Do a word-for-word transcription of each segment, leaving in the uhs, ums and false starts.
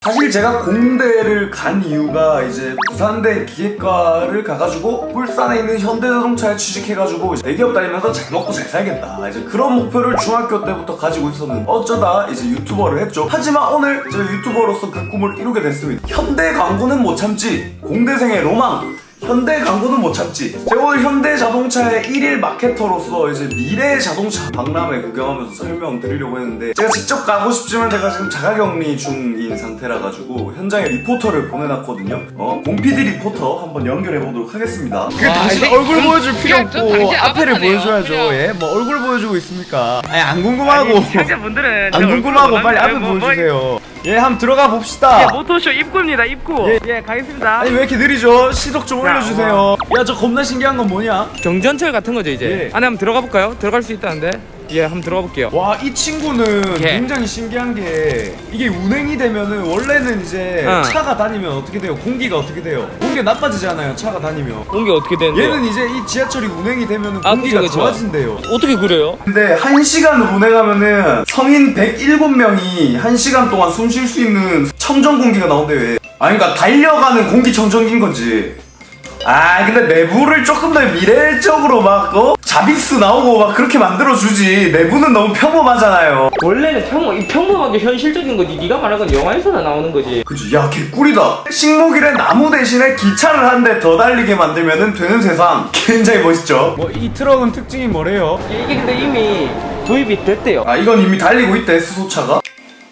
사실 제가 공대를 간 이유가 이제 부산대 기계과를 가가지고 울산에 있는 현대자동차에 취직해가지고 이제 대기업 다니면서 잘 먹고 잘 살겠다, 이제 그런 목표를 중학교 때부터 가지고 있었는데 어쩌다 이제 유튜버를 했죠. 하지만 오늘 제가 유튜버로서 그 꿈을 이루게 됐습니다. 현대 광고는 못 참지, 공대생의 로망. 현대 광고는 못 참지. 제가 오늘 현대자동차의 일일 마케터로서 이제 미래 자동차 박람회 구경하면서 설명드리려고 했는데, 제가 직접 가고 싶지만 제가 지금 자가격리 중인 상태라 가지고 현장에 리포터를 보내놨거든요. 어, 공피디 리포터 한번 연결해보도록 하겠습니다. 그 당신 얼굴 보여줄 필요 없고 앞에를 보여줘야죠. 그럼요. 예? 뭐 얼굴 보여주고 있습니까? 아니 안 궁금하고 시청자분들은 안 궁금하고 빨리 앞에 보여주세요. 예, 한번 들어가 봅시다. 예, 모토쇼 입구입니다. 입구. 예. 예, 가겠습니다. 아니 왜 이렇게 느리죠? 시속 좀 야, 올려주세요. 야, 저 겁나 신기한 건 뭐냐? 경전철 같은 거죠 이제. 예. 안에 한번 들어가 볼까요? 들어갈 수 있다는데. 예, 한번 들어가 볼게요. 와, 이 친구는 예. 굉장히 신기한 게 이게 운행이 되면은 원래는 이제 어. 차가 다니면 어떻게 돼요? 공기가 어떻게 돼요? 공기가 나빠지잖아요, 차가 다니면. 공기 어떻게 되는데? 얘는 이제 이 지하철이 운행이 되면은 아, 공기가 그쵸, 그쵸. 좋아진대요. 어떻게 그래요? 근데 한 시간을 운행하면은 성인 백칠 명이 한 시간 동안 숨 쉴 수 있는 청정 공기가 나온대요. 아니 그러니까 달려가는 공기청정기인 거지. 아 근데 내부를 조금 더 미래적으로 막 어? 자비스 나오고 막 그렇게 만들어주지, 내부는 너무 평범하잖아요. 원래는 평범, 이 평범하게 현실적인 거지. 네가 말한 건 영화에서나 나오는 거지. 그치, 야 개꿀이다. 식목일에 나무 대신에 기차를 한 대 더 달리게 만들면 되는 세상. 굉장히 멋있죠. 뭐 이 트럭은 특징이 뭐래요? 이게 근데 이미 도입이 됐대요. 아 이건 이미 달리고 있대, 수소차가.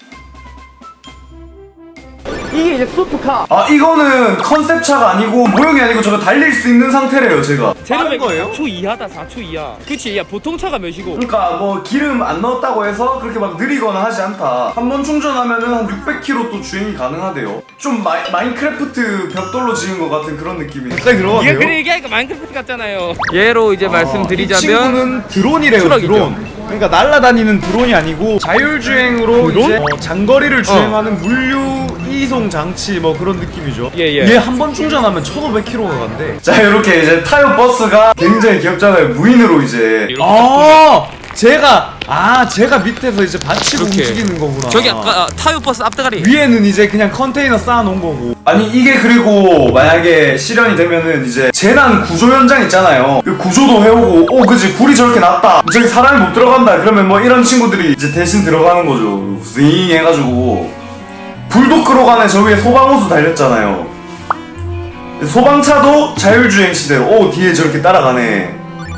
이게 이제 슈퍼카. 아 이거는 컨셉차가 아니고 모형이 아니고 저거 달릴 수 있는 상태래요 제가. 제로백이 거예요? 사 초 이하다. 사 초 이하. 그치. 야, 보통 차가 몇이고. 그러니까 뭐 기름 안 넣었다고 해서 그렇게 막 느리거나 하지 않다. 한 번 충전하면은 한 육백 킬로미터 또 주행이 가능하대요. 좀 마이, 마인크래프트 벽돌로 지은 것 같은 그런 느낌이에요. 갑자기 들어가네요. 이게 그래 얘기하니까 마인크래프트 같잖아요. 예로 이제 이 말씀드리자면 친구는 드론이래요. 추락이죠. 드론. 그러니까 날아다니는 드론이 아니고 자율주행으로 드론? 이제 어, 장거리를 주행하는 물류 이송 장치 뭐 그런 느낌이죠. 예, 예. 얘 한 번 충전하면 천오백 킬로미터가 간대. 자 이렇게 이제 타요 버스가 굉장히 귀엽잖아요. 무인으로 이제. 이렇게 아, 제가 아 제가 밑에서 이제 받치고 이렇게. 움직이는 거구나. 저기 아까 아, 타요 버스 앞대가리. 위에는 이제 그냥 컨테이너 쌓아놓은 거고. 아니 이게 그리고 만약에 실현이 되면은 이제 재난 구조 현장 있잖아요. 그 구조도 해오고, 오 그지 불이 저렇게 났다, 저기 사람이 못 들어간다, 그러면 뭐 이런 친구들이 이제 대신 들어가는 거죠. 윙 해가지고 불도 끌어가네. 저 위에 소방호수 달렸잖아요. 소방차도 자율주행 시대로, 오 뒤에 저렇게 따라가네.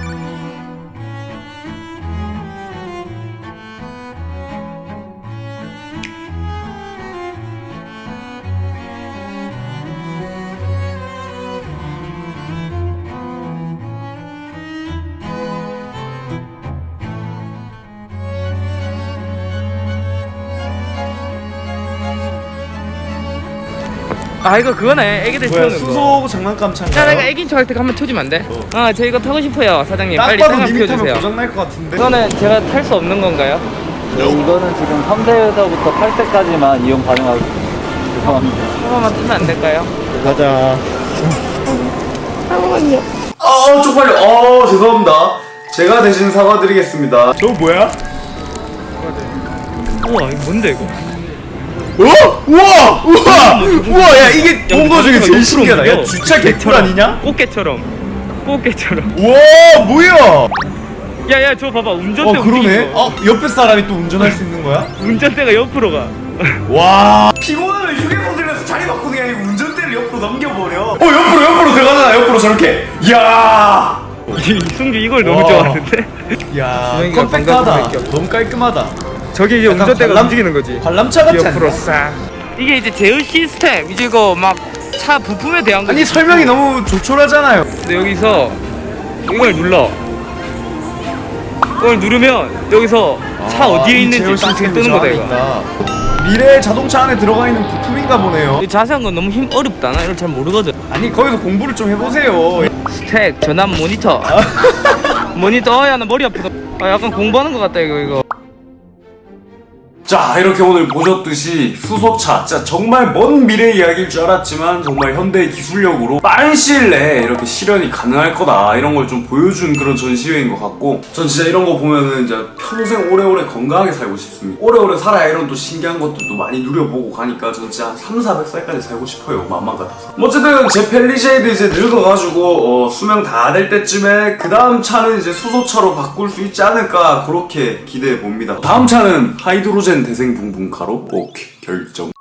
아 이거 그거네. 애기들 뭐야, 태우는 거. 수소 장난감 차인가요? 야 내가 애기 좋아할 때 한번 태워주면 안 돼? 아 저 이거 타고 싶어요 사장님. 딱 빨리 봐도 타고 님이 타면 태워주세요. 고장날 것 같은데. 이거는 제가 탈 수 없는 건가요? 네, 이거는 지금 삼 세에서부터 팔 세까지만 이용 가능하고 죄송합니다. 한 번만 뜨면 안 될까요? 가자. 아 쪽팔려. 어 죄송합니다. 제가 대신 사과드리겠습니다. 너 뭐야? 우와 이거 뭔데 이거? 어? 우와! 우와! 우와! 야, 이게 본 거 중에 제일 옆으로 신기하다. 야, 옮겨. 주차 개꿀 아니냐? 꽃게처럼. 꽃게처럼. 우와! 뭐야? 야야 저 봐봐 운전대 어, 그러네? 움직이는 거. 어, 옆에 사람이 또 운전할 수 있는 거야? 운전대가 옆으로 가. 와! 피곤하면 휴게폰 들면서 자리 바꾸는 게 아니고 운전대를 옆으로 넘겨버려. 어 옆으로 옆으로 들어가잖아. 옆으로 저렇게. 이야. 이승규 이걸 너무 와. 좋아하는데? 야, 주행이가 컴팩트하다. 방금 좀 너무 깔끔하다. 저게 이제 약간 운전대가 관람- 움직이는 거지. 관람차 같지 옆으로 않냐? 싹. 이게 이제 제어 시스템. 이제 이거 막 차 부품에 대한 거. 아니, 설명이 너무 조촐하잖아요. 근데 여기서 이걸 눌러. 이걸 누르면 여기서 차 어디에 아, 이 있는지 제어 딱 시스템이 뜨는 저 거다 안에 이거. 있다. 미래 자동차 안에 들어가 있는 부품인가 보네요. 이 자세한 건 너무 힘 어렵다. 나 이걸 잘 모르거든. 아니, 거기서 공부를 좀 해보세요. 스택 전압 모니터. 모니터. 어, 야 나 머리 아프다. 아 약간 공부하는 것 같다 이거 이거. 자, 이렇게 오늘 보셨듯이 수소차 진짜 정말 먼 미래 이야기일 줄 알았지만 정말 현대의 기술력으로 빠른 시일 내에 이렇게 실현이 가능할 거다 이런 걸 좀 보여준 그런 전시회인 것 같고, 전 진짜 이런 거 보면은 이제 평생 오래오래 건강하게 살고 싶습니다. 오래오래 살아야 이런 또 신기한 것들도 많이 누려보고 가니까 전 진짜 한 삼사백 살까지 살고 싶어요, 맘만 같아서. 어쨌든 제 펠리쉐이드 이제 늙어가지고 어, 수명 다 될 때쯤에 그 다음 차는 이제 수소차로 바꿀 수 있지 않을까 그렇게 기대해 봅니다. 다음 차는 하이드로젠 대생분분가로 오케이 결정.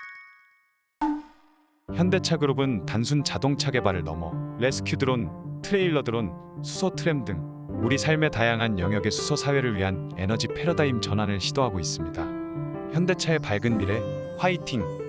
현대차 그룹은 단순 자동차 개발을 넘어 레스큐 드론, 트레일러 드론, 수소 트램 등 우리 삶의 다양한 영역의 수소 사회를 위한 에너지 패러다임 전환을 시도하고 있습니다. 현대차의 밝은 미래, 화이팅!